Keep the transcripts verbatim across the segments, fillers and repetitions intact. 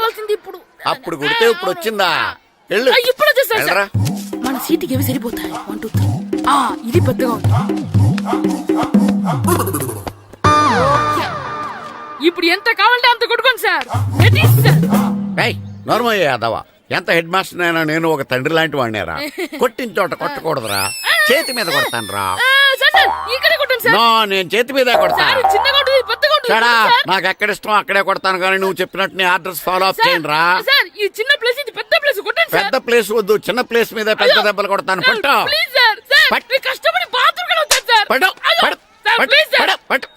రావాల్సింది ఇప్పుడు. అప్పుడు కుడితే ఇప్పుడు వచ్చిందా? వెళ్ళు. ఇప్పుడు వచ్చేసా. మన సీటుకి ఏవి సరిపోతాయి? One two three. ఆ ఇది పెద్దగా ఉంది. ఇప్పుడు ఎంత కావాలంటే అంత కొట్టుకోండి సార్. నోర్మల్ యాదవా, ఎంత హెడ్ మాస్టర్ అయినా నేను ఒక తండ్రి లాంటి వాడినేరా. కొట్టిన చోట కొట్టకూడదురా, చేతి మీద కొడతాను రా. నేను చేతి మీద కొడతాను. నాకు ఎక్కడ ఇష్టం అక్కడే కొడతాను, కానీ నువ్వు చెప్పినట్టు నీ ఆర్డర్స్ ఫాలో అప్ చేయండి రా. పెద్ద ప్లేస్ వద్దు, చిన్న ప్లేస్ మీద పెద్ద దెబ్బలు కొడతాను. పట్టు పట్టు పట్టు పట్టు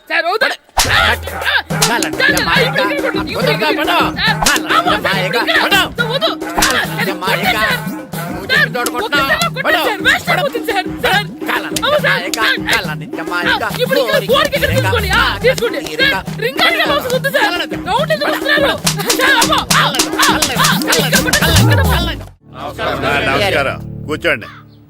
నమస్కారం, కూర్చోండి.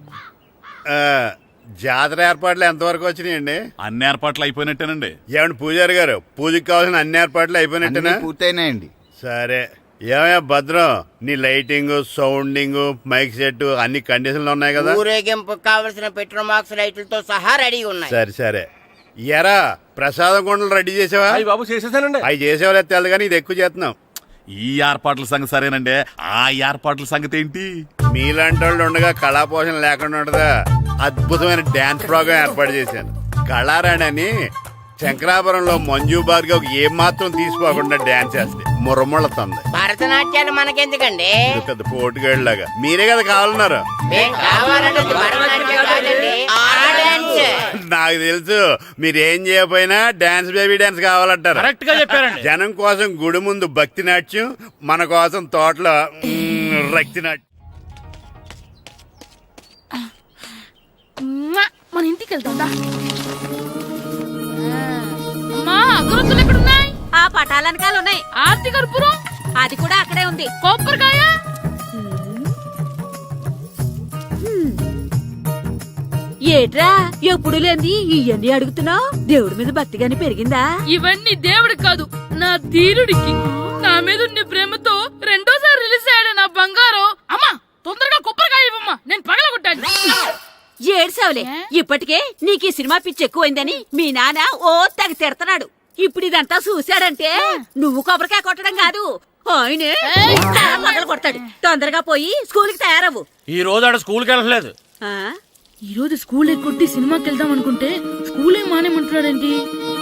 జాతర ఏర్పాట్లు ఎంతవరకు వచ్చినాయండి? అన్ని ఏర్పాట్లు అయిపోయినట్టేనండి. ఏమండి పూజారి గారు, పూజకి కావాల్సిన అన్ని ఏర్పాట్లు అయిపోయినట్టేనా? పూర్తయినాయండి. సరే, ఏమయ్యా భద్రం, నీ లైటింగ్, సౌండింగ్, మైక్ సెట్ అన్ని కండిషన్లు ఉన్నాయి కదా? ఊరేగింపు కావలసిన పెట్రోల్ మార్క్స్ లైట్లతో సహా రెడీ ఉన్నాయి. సరే సరే. ఎరా ప్రసాదం కొండలు రెడీ చేసావా? బాబు చేసేసానండి. అవి చేసేవాళ్ళు తెలదు కానీ ఇది ఎక్కువ చేస్తున్నాం. ఈ ఏర్పాట్ల సంగతి సరేనండి, ఆ ఏర్పాట్ల సంగతి ఏంటి? మీలాంటి వాళ్ళు ఉండగా కళా పోషణ లేకుండా ఉండదా? అద్భుతమైన డాన్స్ ప్రోగ్రాం ఏర్పాటు చేశాను. కళారాణి అని శంకరాపురంలో మంజు భార్గవ్ ఏం మాత్రం తీసుకోకుండా డాన్స్ చేస్తే మురముళ్ళతుంది. భరతనాట్యాలు మనకెందుకండి? పెద్ద పోటుగాళ్ళలాగా మీరే కదా కావాలన్నారు. నాకు తెలుసు, మీరేం చేయకపోయినా డాన్స్ బేబీ డాన్స్ కావాలంటారు. కరెక్ట్ గా చెప్పారండి. జనం కోసం గుడి ముందు భక్తి నాట్యం, మన కోసం తోటలో రక్తి నాట్యం. మన ఇంటికి వెళ్తా. అమ్మా అగరొత్తులు ఎక్కడున్నాయి? ఆ పటాలనకాలు ఉన్నాయి. ఆర్తి కర్పూరం అది కూడా అక్కడే ఉంది. కొబ్బరికాయ ఏట్రా ఎప్పుడు లేని ఇవన్నీ అడుగుతున్నావు? దేవుడి మీద భక్తిగాని పెరిగిందా? ఇవన్నీ దేవుడికి కాదు, నా ధీరుడికి. నా మీద ఉన్న ప్రేమతో రెండోసారి రిలీజ్ అయ్యాడు నా బంగారం. అమ్మా తొందరగా కొబ్బరికాయ ఇవ్వమ్మా, నేను పగలగొట్టాను. ఏడ్సావులే, ఇప్పటికే నీకు ఈ సినిమా పిచ్చి ఎక్కువైందని మీ నాన్న ఓ తెగ తిడతాడు. ఇప్పుడు ఇదంతా చూశాడంటే నువ్వు కొబ్బరికాయ కొట్టడం కాదు, ఆయనే పగల కొడతాడు. తొందరగా పోయి స్కూల్ కి తయారవ్వు. ఈ రోజు ఆడ స్కూల్ కి వెళ్ళలేదు. ఈ రోజు స్కూల్ ఎక్కొట్టి సినిమాకి వెళ్దాం అనుకుంటే స్కూల్ ఏం మానేమంటున్నాడేంటి?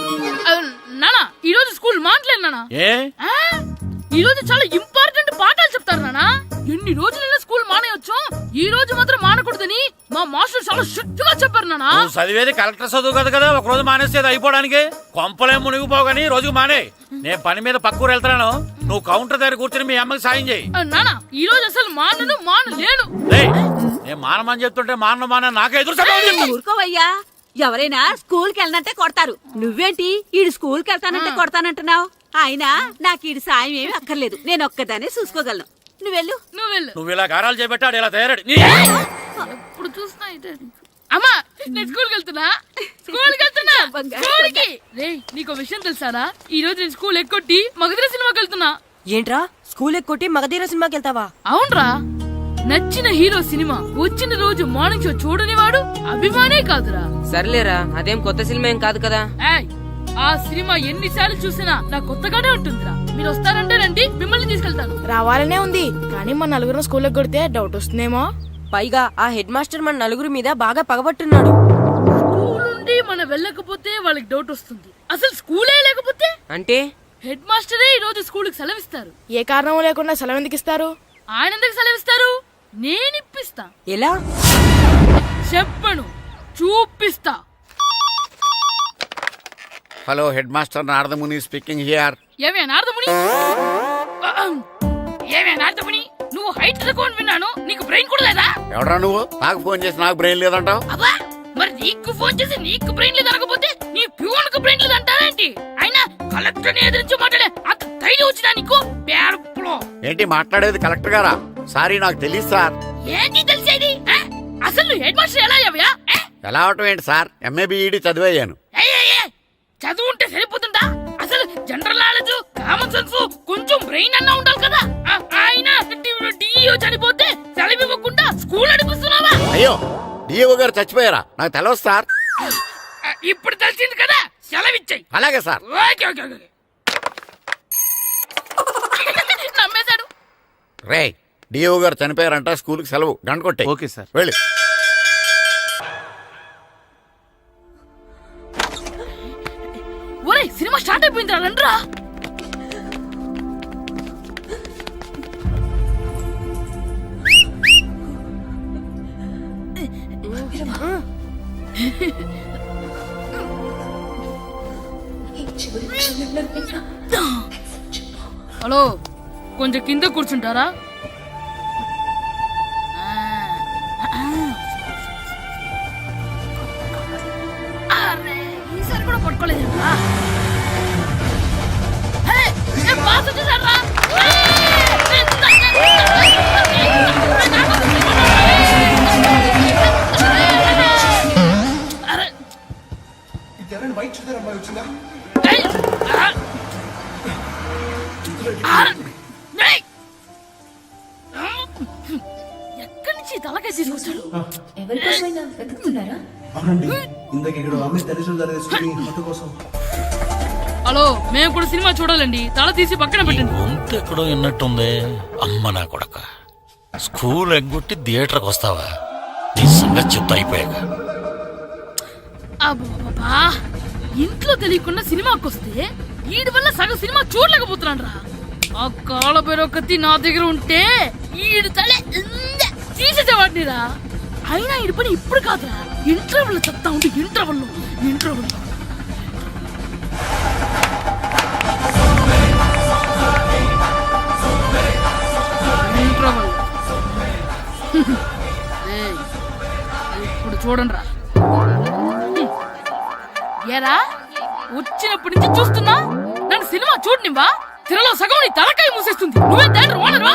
నానా ఈ రోజు స్కూల్ మానట్లేదు నానా. ఏ ఈ రోజు చాలా ఇంపార్టెంట్ పాఠాలు చెప్తారు నానా. ఎన్ని రోజులైనా స్కూల్ మానేయొచ్చు, ఈ రోజు మాత్రం మానకూడదని మా మాస్టర్ చాలా స్ట్రిక్ట్ గా చెప్పారు నానా. చదివేది కలెక్టర్ చదువు కదా కదా, ఒక రోజు మానేసేది అయిపోవడానికి. కొంపలే మునిగిపోగాని రోజుకు మానే. నేను పని మీద పక్కూరు వెళ్తాను, నువ్వు కౌంటర్ దగ్గర కూర్చొని మీ అమ్మకి సాయం చేయి. నానా ఈ రోజు అసలు మానను మాను లేను. నేను మానమని చెప్తుంటే మాన మాన నాకే ఎదురు. ఊరుకోవయ్యా, ఎవరైనా స్కూల్ కి వెళ్ళనంటే కొడతారు. నువ్వేంటి ఈడు స్కూల్ కి వెళ్తానంటే కొడతానంటున్నావు? అయినా నాకు ఈడు సాయం ఏమి అక్కర్లేదు, నేను ఒక్కదాన్ని చూసుకోగలను. నువ్వెళ్ళు నువ్వెళ్ళు. నువ్వు ఇలా గారాలు చేపెట్టాడు ఇలా తయారాడు. ఇప్పుడు చూస్తున్నా అమ్మా, నేను స్కూల్కి వెళ్తున్నా స్కూల్కి వెళ్తున్నా స్కూల్కి. రే నీకు విషయం తెలుసారా, ఈ రోజు నేను స్కూల్ ఎక్కొట్టి మగధీర సినిమాకి వెళ్తున్నా. ఏంట్రా స్కూల్ ఎక్కొట్టి మగధీర సినిమాకి వెళ్తావా? అవునరా, నచ్చిన హీరో సినిమా వచ్చిన రోజు మార్నింగ్ షో చూడని వాడు అభిమానే కాదురా. సర్లేరా, అదేం కొత్త సినిమా ఏం కాదు కదా. ఆ సినిమా ఎన్నిసార్లు చూసినా నా కొత్తగానే ఉంటుందిరా. మీరు వస్తారంటే రండి, మిమ్మల్ని తీసుకెళ్తాను. రావాలనే ఉంది, కానీ మన నలుగురు స్కూల్కి కొడితే డౌట్ వస్తుందేమో. పైగా ఆ హెడ్ మాస్టర్ మన నలుగురి మీద బాగా పగబట్టున్నాడు. స్కూల్ నుండి మనం వెళ్ళకపోతే వాళ్ళకి డౌట్ వస్తుంది. అసలు స్కూలే లేకపోతే అంటే హెడ్ మాస్టరే ఈ రోజు స్కూల్ కి సెలవిస్తారు. ఏ కారణం లేకుండా సెలవు ఎందుకు ఇస్తారు? ఆయన ఎందుకు సెలవిస్తారు? నేను ఇప్పిస్తా. ఎలా చెప్పను, చూపిస్తా. Hello, head master Naradamuni speaking here. ఏమే నారదముని, ఏమే నారదముని, నువ్వు హైట్ తక్కువ విన్నాను, నీకు బ్రెయిన్ కూడా లేదా? ఎవడా నువ్వు? నాకు ఫోన్ చేసి నాకు బ్రెయిన్ లేదంటావు? అబ్బా, మరి నీకు ఫోన్ చేసి నీకు బ్రెయిన్ లేదనకపోతే నీ ప్యూన్ కు బ్రెయిన్ లేదంటారేంటి? అయినా కలెక్టర్ ని ఎదిరించి మాట్లాడే అంత ధైర్యం వచ్చినా నీకు? ఏంటి మాట్లాడేది కలెక్టర్ గారా? సారీ, నాకు తెలియదు సార్. ఏంటి తెలిసేది? అసలు నువ్వు హెడ్ మాస్టర్ ఎలా అయ్యావా? ఎలా అవటం ఏంటి సార్, ఎంఏ బిఈడి చదివయ్యాను. చదువు ఉంటే సరిపోతుందా? అసలు జనరల్ నాలెడ్జ్, కామన్ సెన్స్, కొంచెం బ్రెయిన్ అన్నా ఉండాలి కదా. డియో చనిపోతే సెలవు ఇవ్వకుండా స్కూల్ నడిపిస్తున్నావా? అయ్యో డిఓ గారు చచ్చిపోయారా? నాకు తెలవదు సార్. ఆ, ఇప్పుడు తెలిసింది కదా, సెలవిచ్చాయి. అలాగే సార్. Okay okay okay. నమ్మేశాడు. రే డిఓ గారు చనిపోయారంట, స్కూల్కి సెలవు, గంట కొట్టే. Okay sir. వెళ్ళి. ఒరే సినిమా స్టార్ట్ అయిపోయింది రండ్రా. హలో, కొంచెం కింద కూర్చుంటారా? అరే, ఈసారి కూడా పట్టుకోలేదు. ఎక్కడి నుంచి తలకాయ తీసుకొచ్చాడు? ఎవరికోసమైనా వెతుకుతున్నారా? అవునండి, ఇందాక ఇక్కడ అమ్మాయి తల్లిదండ్రులు తీసుకుని ఫోటో కోసం. హలో, మేము కూడా సినిమా చూడాలండి. తల తీసి పక్కన పెట్టండి. గొంతు ఎక్కడో విన్నట్టుంది. అమ్మ నా కొడక, స్కూల్ ఎగ్గొట్టి థియేటర్కి వస్తావా? నీ సంగతి చెప్తా అయిపోయాక. అబ్బా, ఇంట్లో తెలియకుండా సినిమాకి వస్తే వీడి వల్ల సగం సినిమా చూడలేకపోతున్నాను రా. ఆ కాళ్ళ పేరొకతి నా దగ్గర ఉంటే ఈడు తల తీసేసేవాడిని రా. అయినా ఈడి పని ఇప్పుడు కాదురా, ఇంటర్వెల్ చెప్తా ఉంటే ఇంటర్వెల్ ఇంటర్వెల్ ఇంటర్వెల్ ఇప్పుడు చూడండి రా. ఏరా, వచ్చినప్పటి నుంచి చూస్తున్నా నన్ను సినిమా చూడనివ్వా? తిరలో సగం నీ తలకాయ మూసేస్తుంది. నువ్వే దాన్ని రోనరువా?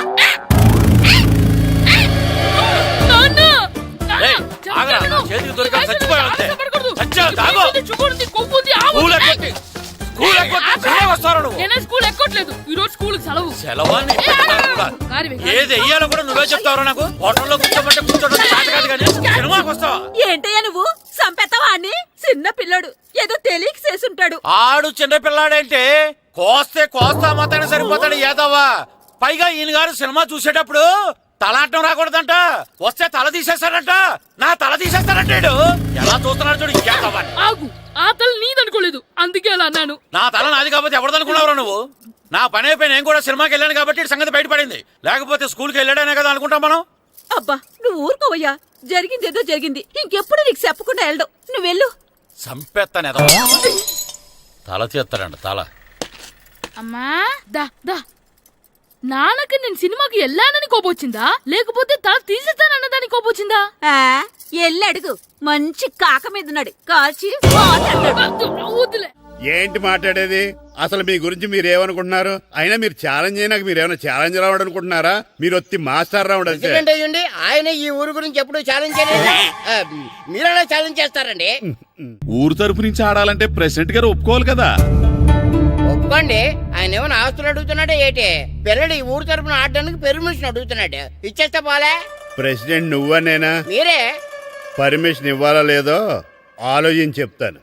ఏయ్, ఆగరా, నా చేతికి దొరికా చచ్చిపోయావు అంతే. చచ్చావు, తాగు. స్కూల్ ఎగ్గొట్టి స్కూల్ ఎగ్గొట్టి సినిమాకి వస్తారా నువ్వు? నేనే స్కూల్ ఎక్కట్లేదు, ఈ రోజు స్కూల్ సెలవు. సెలవా? నీ పెద్దవాడు కూడా. ఏది వెయ్యాలో కూడా నువ్వే చెప్తావరా? నాకు హోటల్లో కూర్చోమంటే కూర్చోడం చేత కాదు కానీ సినిమాకి వస్తావా? ఏంటయ్యా నువ్వు సంపెత్తవా అని? చిన్న పిల్లడు ఏదో తెలియక చేసుంటాడు. ఆడు చిన్న పిల్లాడంటే కోస్తే కోస్తా మాత్రమే సరిపోతాడు ఏదవ్వా. పైగా ఈయన గారు సినిమా చూసేటప్పుడు తలాటం రాకూడదంట, వస్తే తల తీసేస్తాడంట. నా తల తీసేస్తాడంటాడు. ఎలా చూస్తున్నాడు చూడు. ఇంకేదవ్వా, ఆగు, ఆ తల నీదనుకోలేదు, అందుకే అలా అన్నాను. నా తల నాది కాబట్టి ఎవరిదనుకున్నావురా నువ్వు? నా పని అయిపోయి నేను కూడా సినిమాకి వెళ్ళాను కాబట్టి ఈ సంగతి బయటపడింది. లేకపోతే స్కూల్కి వెళ్ళాడనే కదా అనుకుంటాం మనం. అబ్బా నువ్వు ఊరుకోవయ్యా, జరిగిందేదో జరిగింది. ఇంకెప్పుడు నీకు చెప్పకుండా వెళ్ళడం. నువ్వు వెళ్ళు. సంపెత్తనే తల తీస్తాడంట తల. అమ్మా దా దా, నాన్నకి నేను సినిమాకి వెళ్ళానని కోపొచ్చిందా, లేకపోతే తల తీసేస్తానన్నదాని కోపొచ్చిందా? ఆ ఎల్లి అడుగు. మంచి కాక మీద ఉన్నాడు, కాల్చి వద్దులే. ఏంటి మాట్లాడేది? అసలు మీ గురించి మీరు ఏమనుకుంటున్నారు? అయినా మీరు ఛాలెంజ్ అయినాక మీరు ఏమైనా ఛాలెంజ్ రావడం అనుకుంటున్నారా? మీరు వచ్చి మాస్టర్ రావడం. అయ్యండి, ఆయన ఈ ఊరు గురించి ఎప్పుడు ఛాలెంజ్ చేయలేదు. ఆ, మీరెలా ఛాలెంజ్ చేస్తారండి? ఊరు తరపు నుంచి ఆడాలంటే ప్రెసిడెంట్ గారు ఒప్పుకోవాలి కదా. ఒప్పుకోండి. ఆయన ఏమైనా ఆస్తులు అడుగుతున్నాడే ఏటి? పిల్లడు ఈ ఊరు తరపున ఆడడానికి పెర్మిషన్ అడుగుతున్నాడు. ఇచ్చేస్తే పోలే. ప్రెసిడెంట్ నువ్వా నేనా? మీరే. పర్మిషన్ ఇవ్వాలా లేదో ఆలోచించి చెప్తాను.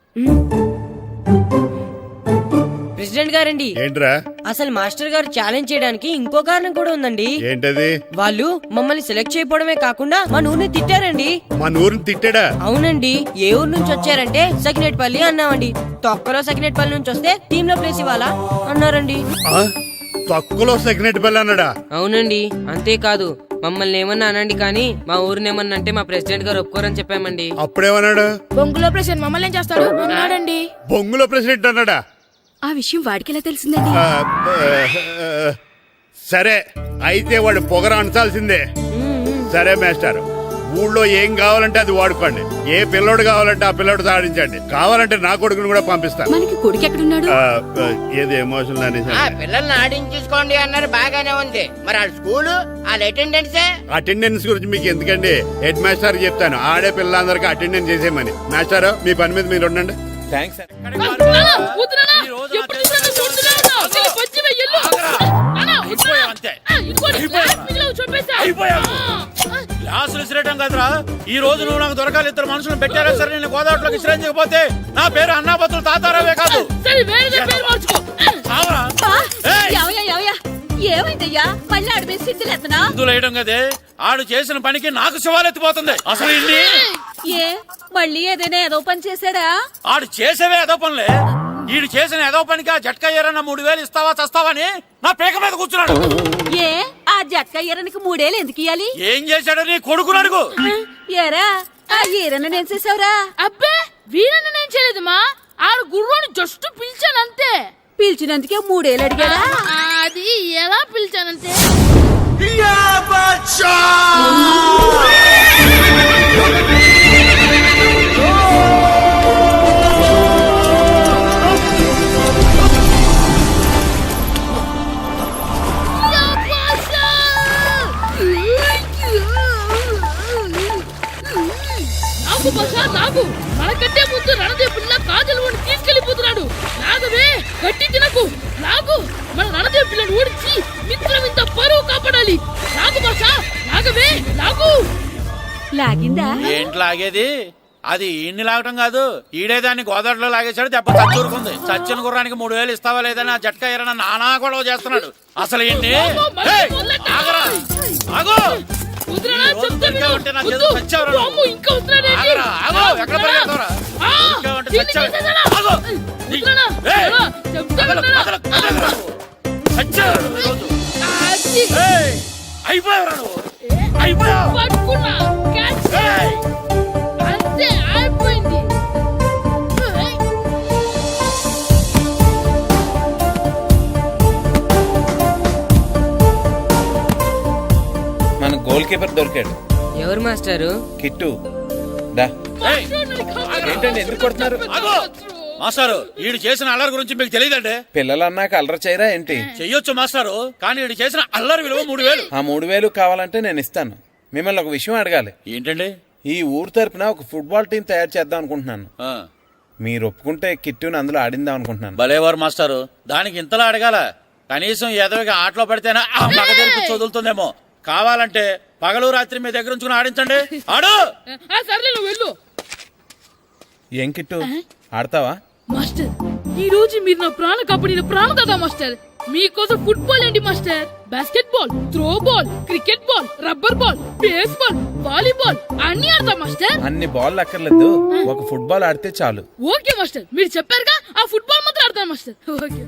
ప్రెసిడెంట్ గారండి, ఏంట్రా? అసలు మాస్టర్ గారు ఛాలెంజ్ చేయడానికి ఇంకో కారణం కూడా ఉందండి. ఏంటది? వాళ్ళు మమ్మల్ని సెలెక్ట్ చేయకపోవడమే కాకుండా మా ఊరిని తిట్టారండి. మన ఊరిని తిట్టాడా? అవునండి. ఏ ఊరు నుంచి వచ్చారంటే సకినేట్పల్లి అన్నామండి. తొక్కలో సకినేట్పల్లి నుంచి వస్తే టీమ్ లో ప్లేస్ ఇవ్వాలా అన్నారండి. తక్కువలో సెకండ్ బెల్ అన్నాడా? అవునండి. అంతేకాదు మమ్మల్ని ఏమన్నా అనండి కానీ మా ఊరిని ఏమన్నా అంటే మా ప్రెసిడెంట్ గారు ఒప్పుకోరని చెప్పామండి. అప్పుడేమన్నాడు? బొంగులో ప్రెసిడెంట్ మమ్మల్ని ఏం చేస్తాడు అన్నాడండి. బొంగులో ప్రెసిడెంట్ అన్నాడా? ఆ విషయం వాడికి ఎలా తెలిసిందండి? ఆ, సరే అయితే వాడు పొగర అంచాల్సిందే. సరే మేస్టర్, ఊళ్ళో ఏం కావాలంటే అది వాడుకోండి. ఏ పిల్లోడు కావాలంటే ఆ పిల్లోడు సాధించండి. కావాలంటే నా కొడుకుని కూడా పంపిస్తాను. మనకి కొడుకు ఎక్కడున్నాడు? ఏది ఎమోషనల్ అనేసి ఆ పిల్లల్ని ఆడించేసుకోండి అన్నారు, బాగానే ఉంది. మరి వాళ్ళ స్కూలు వాళ్ళ అటెండెన్సే. అటెండెన్స్ గురించి మీకు ఎందుకండి, హెడ్ మాస్టర్ చెప్తాను. ఆడే పిల్లలందరికీ అటెండెన్స్ చేసేయమని. మాస్టర్ మీ పని మీద మీరు ఉండండి. థ్యాంక్స్. అంతే. అయిపోయావు. గ్లాసులు విసిరేయటం కదరా, ఈ రోజు నువ్వు నాకు దొరకాలి. ఇద్దరు మనుషులను పెట్టారా సరే, నేను గోదావరిలోకి విసిరించకపోతే నా పేరు అన్నాబతులు తాతారావే కాదు. సరే వేరే పేరు మార్చుకో. చావరా. ఏయ్! ఎవయ్యా ఎవయ్యా ఏమైందయ్యా మళ్ళీ ఆడి మీద సిద్ధులేతనా ఇందులో వేయడం కదే, ఆడు చేసిన పనికి నాకు శివాలెత్తిపోతుంది. అసలు ఇన్ని ఏ మళ్ళీ ఏదైనా ఏదో పని చేశాడా ఆడు చేసేవే ఏదో పనులే. ఈడు చేసిన ఏదో పనికి ఆ జట్కా ఏరన్నా మూడు వేలు ఇస్తావా చస్తావని నా పేక మీద కూర్చున్నాడు. ఏ ఆ జట్కా ఈరనికి మూడేళ్ళు ఎందుకు ఇయ్యాలి ఏం చేశాడు నీ కొడుకును అడుగు. ఏరా ఆ ఈరన్న నేను చేసావురా అబ్బే వీరన్న నేను చేయలేదమ్మా, ఆడు గుర్రోని జస్ట్ పిలిచానంతే. పిలిచినందుకే మూడేళ్ళు అడిగాడా ఆ, అది ఎలా పిలిచానంటే నాకు బసా నాకు మనకంటే ముందు రణదే పిల్ల కాజల్ ఓడి తీసుకెళ్లిపోతున్నాడు. నాగవే గట్టి తినకు, నాగు మన రణదే పిల్లని ఓడించి మిత్రం ఇంత పరువు కాపాడాలి. నాగు బసా నాగవే నాగు. లాగిందా ఏంటి లాగేది? అది ఈయన్ని లాగటం కాదు, ఈడే దాన్ని గోదావరిలో లాగేశాడు. దెబ్బ చచ్చూరుకుంది. చచ్చిన గుర్రానికి మూడు వేలు ఇస్తావా లేదని ఆ జట్కా ఏరన్నా నానా గొడవ చేస్తున్నాడు. అసలు ఈయన్ని ఏయ్, ఆగరా, ఆగు. కుదరనా ఈ రోజు చెప్తే విను. దొరికావంటే నా చేతిలో వద్దు. చచ్చావురా నువ్వు. అమ్మో, ఇంకా వస్తున్నాడేంటి? ఆగరా, ఆగు. ఎక్కడ పరిగెడతావురా? ఆ, దొరికావంటే దీన్ని చచ్చావు. తీసేసానా? ఆగు. కుదరనా? ఏయ్, కుదరనా? చెప్తే కదలకు, వినరా? కదలకు, కదలకు. చచ్చావురా నువ్వు ఈరోజు. అది. ఏయ్, అయిపోయావురా నువ్వు. అయిపోయావు. పట్టుకున్నా. క్యాచ్. ఏయ్. అంతే అయిపోయింది. ఏయ్. మన గోల్ కీపర్ దొరికాడు. ఎవరు మాస్టారు? కిట్టు దా. ఏయ్, ఏంటండి ఎందుకు కొడుతున్నారు? ఆగు. మాస్టారు, వీడు చేసిన అల్లరి గురించి మీకు తెలియదండి. పిల్లలు అన్నాక అల్లరి చేయరా ఏంటి? చెయ్యొచ్చు మాస్టారు, కానీ వీడు చేసిన అల్లరి విలువ మూడు వేలు. ఆ మూడు వేలు కావాలంటే నేను ఇస్తాను. మిమ్మల్ని ఒక విషయం అడగాలి. ఏంటండి? ఈ ఊరు తరపున ఒక ఫుట్బాల్ టీం తయారు చేద్దాం అనుకుంటున్నాను. ఆ, మీరు ఒప్పుకుంటే కిట్టుని అందులో ఆడిందాం అనుకుంటున్నాను. భలేవారు మాస్టారు, దానికి ఇంతలా అడగాల? కనీసం ఏదోగా ఆటలో పడితేనే ఆ మగ తెరిపి చదువుతుందేమో. కావాలంటే పగలు రాత్రి మీ దగ్గర ఉంచుకుని ఆడించండి. ఆడు. ఆ, సర్లే నువ్వు వెళ్ళు. ఏం కిట్టు ఆడతావా? మాస్టర్, ఈ రోజు మీరు నా ప్రాణ కాపాడిన ప్రాణదాత మాస్టర్. మీకోసం ఫుట్బాల్ ఏంటి master, basketball, throwball, cricket ball, rubber ball, baseball, volleyball అన్ని ఆడతా మాస్టర్. అన్ని బాల్ అక్కర్లేదు, ఒక ఫుట్బాల్ ఆడితే చాలు. ఓకే మాస్టర్, మీరు చెప్పారుగా, ఆ ఫుట్బాల్ మాత్రం ఆడతాను మాస్టర్. ఓకే.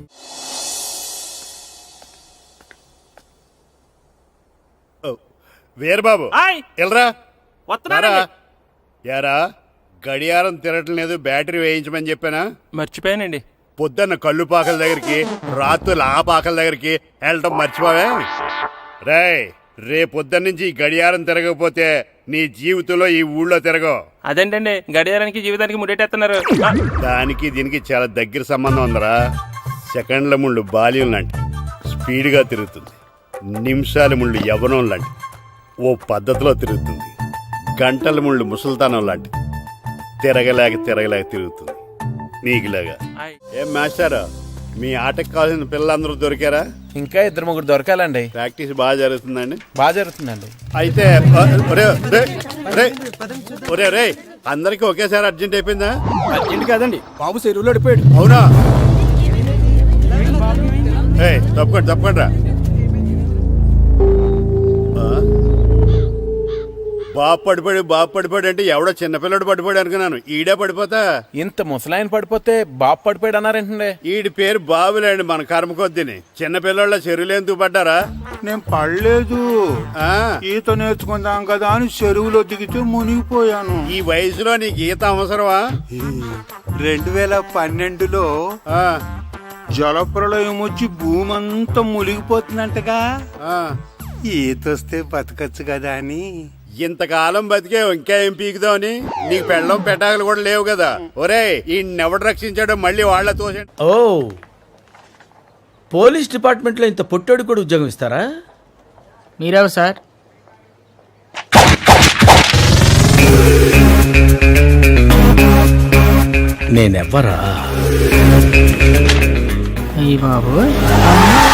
వీరబాబు ఆయ్. ఎల్రా వస్తున్నానండి. రారా. యారా గడియారం తిరగటం లేదు, బ్యాటరీ వేయించమని చెప్పానా? మర్చిపోయానండి. పొద్దున్న కళ్ళు పాకల దగ్గరికి, రాత్రులు ఆ పాకల దగ్గరికి వెళ్ళటం మర్చిపోవే. రేయ్, రేపొద్దున్న నుంచి ఈ గడియారం తిరగకపోతే నీ జీవితంలో ఈ ఊళ్ళో తిరగవు. అదేంటండి గడియారానికి జీవితానికి ముడేటేస్తున్నారు. దానికి దీనికి చాలా దగ్గర సంబంధం ఉందరా. సెకండ్ల ముళ్ళు బాల్యం లాంటి స్పీడ్గా తిరుగుతుంది. నిమిషాల ముళ్ళు యవ్వనం లాంటి ఓ పద్ధతిలో తిరుగుతుంది. గంటల ముళ్ళు ముసల్తానం లాంటి తిరగలేక తిరగలేక తిరుగుతుంది నీకులాగా. ఏం మాస్టారు, మీ ఆటకు కావాల్సిన పిల్లలందరూ దొరికారా? ఇంకా ఇద్దరు ముగ్గురు దొరకాలండి. ప్రాక్టీస్ బాగా జరుగుతుందండి? బాగా జరుగుతుందండి. అయితే ఒరే ఒరే, ఒరే, ఒరే రే, అందరికి ఒకేసారి అర్జెంట్ అయిపోయిందా? అర్జెంట్ కాదండి, బాబు చెరువులో అడిపోయాడు. అవునా? ఏయ్, తప్పకుండా తప్పకుండా రా. బాబు పడిపోయాడు బాబు పడిపోయాడు అంటే ఎవడో చిన్నపిల్లడు పడిపోయాడు అనుకున్నాను. ఈడే పడిపోతా. ఇంత ముసలాయన పడిపోతే బాబు పడిపోయాడు అన్నారేంటండి? ఈడి పేరు బాబులేండి, మన కర్మ కొద్దిని. చిన్నపిల్లల చెరువులు ఎందుకు పడ్డారా? నేను పడలేదు, ఆ, ఈత నేర్చుకుందాం కదా అని చెరువులో దిగితే మునిగిపోయాను. ఈ వయసులో నీకు ఈత అవసరమా? రెండు వేల పన్నెండులో ఆ, జలప్రళయం వచ్చి భూమి అంతా మునిగిపోతుందంటగా. ఆ. ఈత వస్తే బతకచ్చు కదా అని. ఇంతకాలం బతికే ఇంకా ఏం పీకుదామని? నీకు పెళ్ళం పెట్టాకలు కూడా లేవు కదా. ఒరే, ఈ ఎవడు రక్షించాడో మళ్ళీ వాళ్ళ తోసండి. ఓ, పోలీస్ డిపార్ట్మెంట్ లో ఇంత పొట్టోడు కూడా ఉద్యోగం ఇస్తారా? మీరెవరు సార్? నేనెవ్వరా? అయ్యి బాబు.